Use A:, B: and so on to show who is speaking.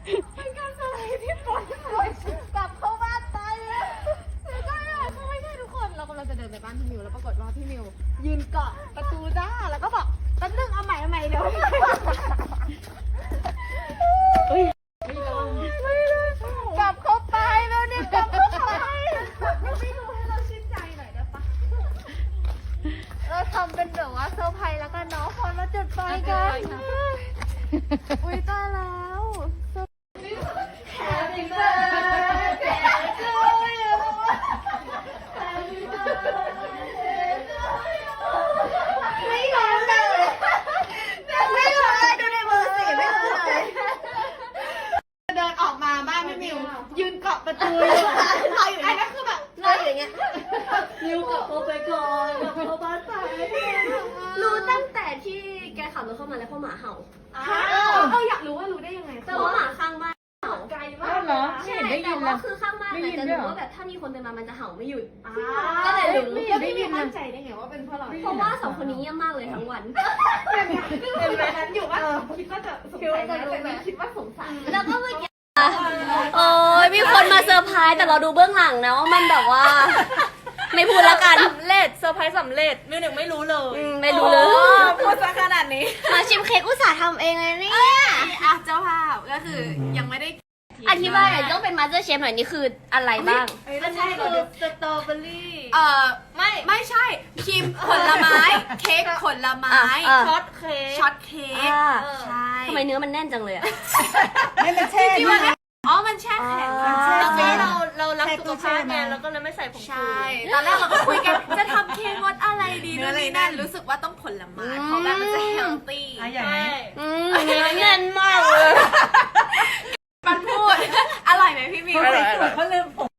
A: เป็นการเซอร์ไพรส์ที่ปล่อยกลับเข้าบ้านไปแล้วไม่ใช่เขาไม่ใช่ทุกคนเรากำลังจะเดินไปบ้านพี่มิวแล้วปรากฏว่าพี่มิวยืนเกาะประตูจ้าแล้วก็บอกแป๊บนึงเอาใหม่เดี๋ยวกลับเข้าไปแล้วนี่กลับเข้าไปไม่รู้ให้เราชื่นใจหน่อยได้ปะเราทำเป็นแบบว่าเซอร์ไพรส์แล้วกันเนาะพอเราจุดไฟกันอุ้ยตายแล้ว Happy birthday to you Happy birthday to you ไม่รู้เลยไม่รู้เลยดูในมือสิไม่รู้เลยเดินออกมาบ้านพี่มิวยืนเกาะประตูอยู่รออยู่อันนั้นคือแบบรออยู่อย่างเงี้ยมิวเกาะเข้าไปก่อนเกาะเข้าบ้านไป
B: รู้ตั้งแต่ที่แกขับรถเข้ามาแล้วเพราะหมาเห่า
A: อยากรู้ว่ารู้ได้ยังไง
B: แต่ว่าหมาข้างบ้านเห่าไกลมาก
C: เหรอ
B: ใช่
C: ได้ยิ
B: แต่
C: น
B: ว่า
C: แล้ว
B: คือข้างบ้าน
C: ได้ยิน
B: จะ
C: ด้วย
B: รู้
C: เหรอ
B: ว่าแบบถ้ามีคนเดินมามันจะเห่าไม่หยุด
A: ก็
B: ก็เลยรู้
A: แล้วพี่มิวมั่นใจได้ไงว่าเป็นเพราะเรา
B: เพราะว่าสองคนนี้เงียบมากเลยทั้งวัน
A: เป็นแบบนั้นอยู่ว่าคิดว่าจะสงสัยนะแต่ไม่คิดว่าสงสัย
B: แล้วก็เมื่อกี้โอ้ยมีคนมาเซอร์ไพรส์แต่เราดูเบื้องหลังนะว่ามันแบบว่า ไม่พูดแล้วกัน
C: สำเร็จเซอร์ไพรส์สำเร็จมิวหนึ่งไม่รู้เลย
B: ไม่รู้เลย
C: พูดซะขนาดนี้
B: มาชิมเค้กอุตส่าห์ทำเองเลยเนี่ย
A: อ่ะเจ้าภาพก็คือยังไม่ได้
B: อธิบายหน่อยต้องเป็นมาสเตอร์เชฟหน่อยนี่คืออะไรบ้าง
A: ไม่ใช่คือสตรอเบอรี่
C: ไม่ใช่ครีมผลไม้เค้กผลไม้
B: ช็อต
C: ช็อตเค้กใช่
B: ทำไมเนื้อมันแน่นจังเลยอะ
C: ไม่มันแช่ที่ว่าอ๋อมันแช่แข็ง
B: แล้วก็
C: เรารักสุขภาพไงเราก็เลยไม่ใส่ผงชูใช่ตอนแรกเราก็คุยกันจะทำเค้กรสอะไรดีนู่นนี่นั่นรู้สึกว่าต้องผลไม้เพราะแบบมันจะเฮลตี้ใช่
B: เนื้อแน่นมากเลย
C: มันพูดอร่อยไหมพี่มิว
D: เขาลืมผง